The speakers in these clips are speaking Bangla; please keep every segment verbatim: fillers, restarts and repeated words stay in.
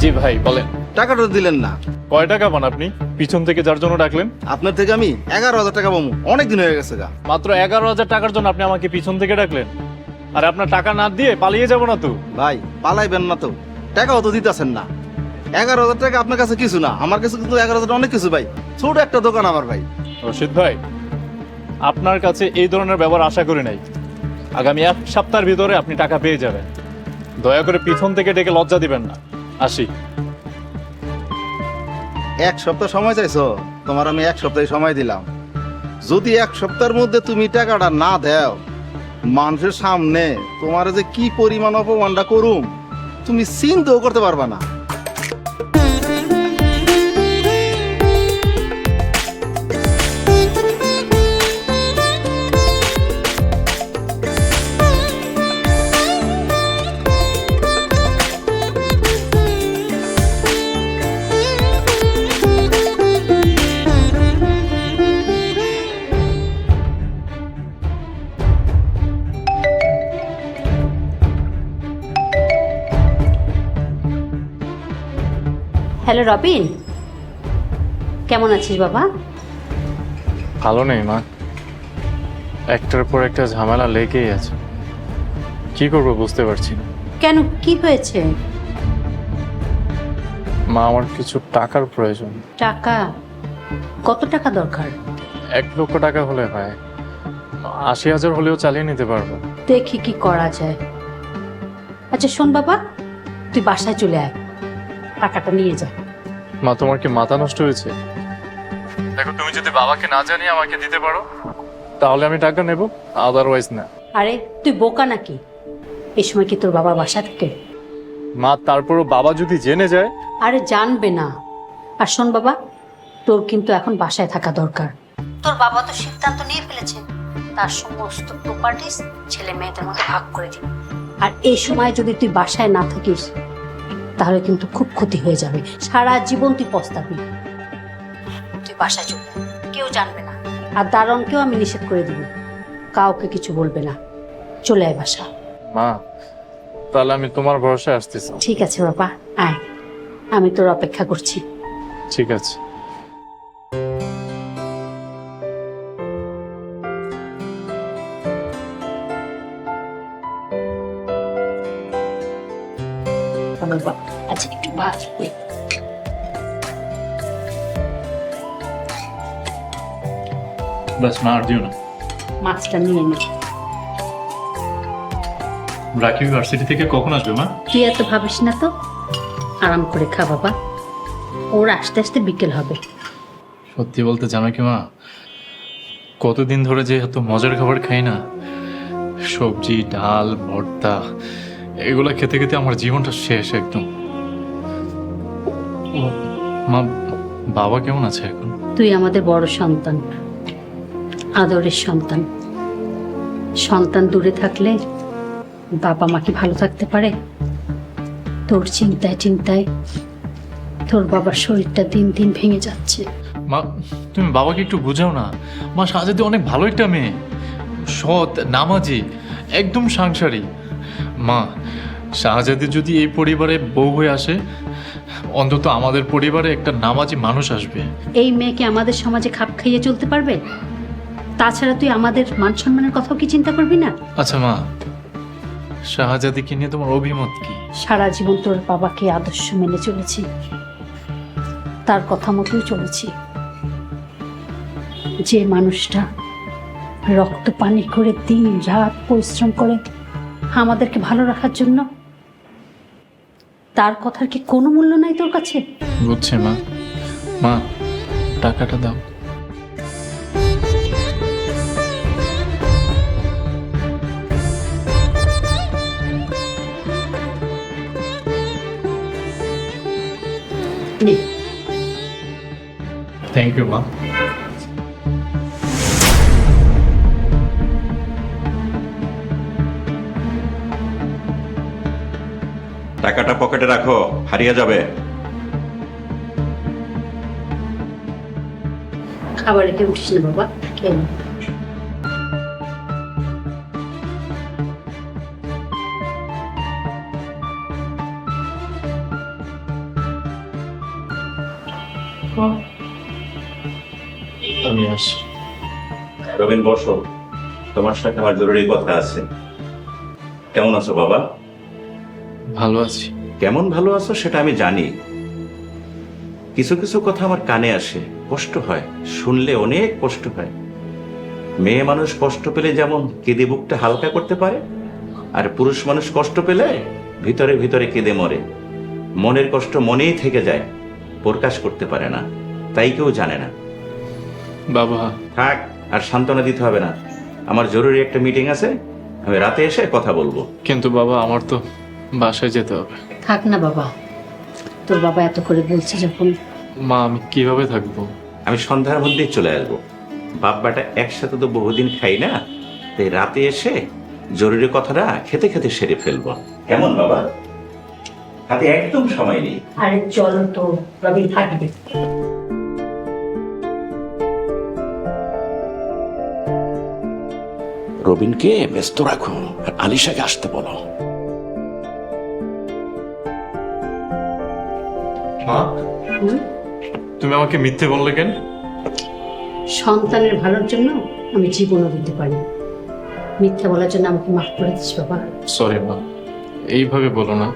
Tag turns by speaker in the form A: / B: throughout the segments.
A: জি ভাই বলেন।
B: টাকাটা দিলেন না।
A: কয় টাকা পান আপনি পিছন থেকে যার জন্য ডাকলেন?
B: আপনার থেকে আমি এগারো হাজার টাকা পাবো, অনেক দিন হয়ে গেছে গা।
A: মাত্র এগারো হাজার টাকার জন্য আপনি আমাকে পিছন থেকে ডাকলেন? আর আপনার টাকা না দিয়ে পালিয়ে যাব না তো?
B: ভাই পালাইবেন না তো, টাকাও তো দিতেছেন না। এগারো হাজার টাকা আপনার কাছে কিছু না, আমার কাছে কিন্তু এগারো হাজার অনেক কিছু ভাই। ছোট একটা দোকান আমার ভাই।
A: রশিদ ভাই, আপনার কাছে এই ধরনের ব্যবহার আশা করি নাই। আগামী এক সপ্তাহের ভিতরে আপনি টাকা পেয়ে যাবেন। দয়া করে পিছন থেকে ডেকে লজ্জা দিবেন না। আসি।
B: এক সপ্তাহ সময় চাইছো, তোমার আমি এক সপ্তাহ সময় দিলাম। যদি এক সপ্তাহের মধ্যে তুমি টাকাটা না দাও, মানুষের সামনে তোমার যে কি পরিমাণ অপমানটা করুম তুমি চিন্তাও করতে পারবা না।
C: হ্যালো রবিন, কেমন আছিস বাবা?
A: ভালো নেই মা, একটার পর একটা ঝামেলা লেগেই আছে। কি করব বুঝতে পারছি না।
C: কেন, কি হয়েছে?
A: মা, আমার কিছু টাকার প্রয়োজন।
C: টাকা? কত টাকা দরকার?
A: এক লক্ষ টাকা হলে হয়, আশি হাজার হলেও চালিয়ে নিতে পারবো।
C: দেখি কি করা যায়। আচ্ছা শোন বাবা, তুই বাসায় চলে আয়, টাকাটা নিয়ে যা।
A: মা, তোমার কি মাথা নষ্ট হয়েছে? দেখো, তুমি যদি বাবাকে না জানিয়ে আমাকে দিতে পারো তাহলে আমি টাকা নেব, আদারওয়াইজ না।
C: আরে তুই বোকা নাকি? এই সময় কি তোর বাবা বাসা থাকে?
A: মা, তারপরও বাবা যদি জেনে যায়?
C: আরে জানবে না। আর শোন বাবা, তোর কিন্তু এখন বাসায় থাকা দরকার। তোর বাবা তো সিদ্ধান্ত নিয়ে ফেলেছে, তার সমস্ত প্রপার্টিজ ছেলে মেয়েদের মধ্যে ভাগ করে দিবে। আর এই সময় যদি তুই বাসায় না থাকিস তাহলে কিন্তু খুব ক্ষতি হয়ে যাবে, সারা জীবন তুই পস্তাবি। তুই বাসায় চলে আয়, কেউ জানবে না। আর দারণকেও আমি নিষেধ করে দিব, কাউকে কিছু বলবে না। চলে আয় বাসা।
A: মা, তাহলে আমি তোমার ভরসায় আসতেছি।
C: ঠিক আছে বাবা, আয়, আমি তোর অপেক্ষা করছি।
A: ঠিক আছে।
C: বাবা আচ্ছা, একটু ভাত
A: বাস মা, আর দিও না।
C: মাছটা নিয়ে নে।
A: রাকিব ইউনিভার্সিটি থেকে কখন আসবে মা?
C: তুই এত ভাবিস না তো, আরাম করে খা বাবা, ওর আস্তে আস্তে বিকেল হবে।
A: সত্যি বলতে জানো কি মা, কতদিন ধরে যে এত মজার খাবার খাই না, সবজি ডাল ভর্তা, এগুলো খেতে খেতে আমার জীবনটা শেষ একদম। ও, মা, বাবা কেমন আছে এখন?
C: তুই আমাদের বড় সন্তান, আদরের সন্তান। সন্তান দূরে থাকলে বাবা মা কি ভালো থাকতে পারে? তোর চিন্তায় চিন্তায় তোর বাবার শরীরটা দিন দিন ভেঙে যাচ্ছে।
A: মা, তুমি বাবাকে একটু বুঝাও না। মা, শাহজাদি অনেক ভালো একটা মেয়ে, সৎ, নামাজি, একদম সাংসারিক। মা, শাহজাদি যদি এই পরিবারে বউ হয়ে আসে, অন্তত আমাদের পরিবারে একটা নামাজি মানুষ আসবে।
C: এই মেয়েকে আমাদের সমাজে খাপ খাইয়ে চলতে পারবে? তাছাড়া তুই আমাদের মান সম্মানের কথাও কি চিন্তা করবি না?
A: আচ্ছা মা, শাহজাদিকে নিয়ে তোমার অভিমত কি?
C: সারা জীবন তোর বাবাকে আদর্শ মেনে চলেছি, তার কথা মতোই চলেছি। যে মানুষটা রক্ত পানি করে দিন রাত পরিশ্রম করে আমাদেরকে ভালো রাখার জন্য, তার কথার কি কোনো মূল্য নাই তোর কাছে?
A: বুঝছে মা। মা, টাকাটা দাও।
C: নে।
A: থ্যাংক ইউ মা।
D: টাকাটা পকেটে রাখো, হারিয়ে যাবে।
C: খাবার রেখে উঠিস না বাবা, খেয়ে নে।
A: আমি আসি।
D: রবিন বসো, তোমার সাথে আমার জরুরি কথা আছে। কেমন আছো বাবা?
A: ভালো আছি।
D: কেমন ভালো আছো সেটা আমি জানি। কিছু কিছু কথা আমার কানে আসে, কষ্ট হয়, শুনলে অনেক কষ্ট হয়। মেয়ে মানুষ কষ্ট পেলে যেমন কেঁদে বুকটা হালকা করতে পারে, আর পুরুষ মানুষ কষ্ট পেলে ভিতরে ভিতরে কেঁদে মরে। মনের কষ্ট মনেই থেকে যায়, প্রকাশ করতে পারে না, তাই কেউ জানে না।
A: বাবা,
D: থাক, আর সান্ত্বনা দিতে হবে না। আমার জরুরি একটা মিটিং আছে, আমি রাতে এসে কথা বলবো।
A: কিন্তু বাবা আমার তো বাসায় যেতে হবে।
C: থাক না বাবা, তোর বাবা এত করে বলছে যখন।
A: মা, আমি কিভাবে থাকবো?
D: আমি সন্ধ্যার মধ্যেই চলে আসবো। বাপ বেটা একসাথে তো বহুদিন খাই না, তাই রাতে এসে জরুরি কথাটা খেতে খেতে সেরে ফেলবো। কেমন বাবা? হাতে একদম সময় নেই।
C: আরে চলো তো, রবি থাকবে।
D: রবিনকে ব্যস্ত রাখো আর আলিশাকে আসতে বলো।
A: মা, তুমি আমাকে মিথ্যে বললে কেন?
C: সন্তানের ভালোর জন্য আমি জীবনও দিতে পারি। মিথ্যা বলার জন্য আমাকে মাফ করে দিস বাবা।
A: সরি মা, এইভাবে বলো না।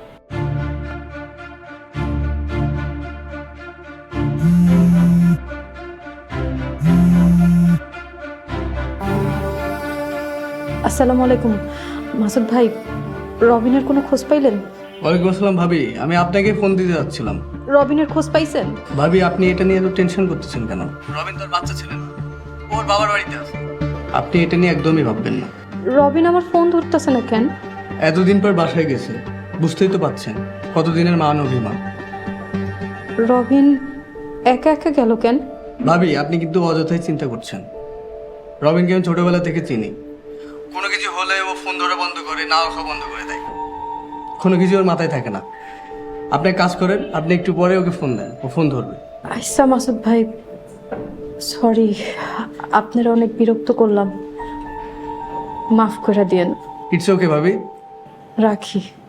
E: আসসালামু আলাইকুম মাসুদ ভাই, রবিনের কোনো খোঁজ পাইলেন?
F: ওয়ালাইকুম আসসালাম ভাবি, আমি আপনাকে ফোন দিতে যাচ্ছিলাম।
E: রবিনের খোঁজ পাইছেন?
F: ভাবি, আপনি এটা নিয়ে এত টেনশন করতেছেন কেন? রবিন তার বাচ্চা ছিলেন, ওর বাবার বাড়িতে আছে। আপনি এটা নিয়ে একদমই ভাববেন না।
E: রবিন আমার ফোন ধরতেছে না কেন?
F: এতদিন পর বাসায় গেছে, বুঝতেই তো পাচ্ছেন কতদিনের মান অভিমান।
E: রবিন একা একা গেল কেন?
F: ভাবি, আপনি কিন্তু অযথাই চিন্তা করছেন। রবিনকে আমি ছোটবেলা থেকে চিনি। কোনো কিছু হলে ও ফোন ধরা বন্ধ করে, না ওঠা বন্ধ করে দেয়। কোনো কিছু ওর মাথায় থাকে না। আপনি এক কাজ করেন, আপনি একটু পরে ওকে ফোন দেন, ও ফোন ধরবে।
E: আচ্ছা মাসুদ ভাই, সরি, আপনারা অনেক বিরক্ত করলাম, মাফ করে দিয়েন।
F: ইটস ওকে ভাবি।
E: রাখি।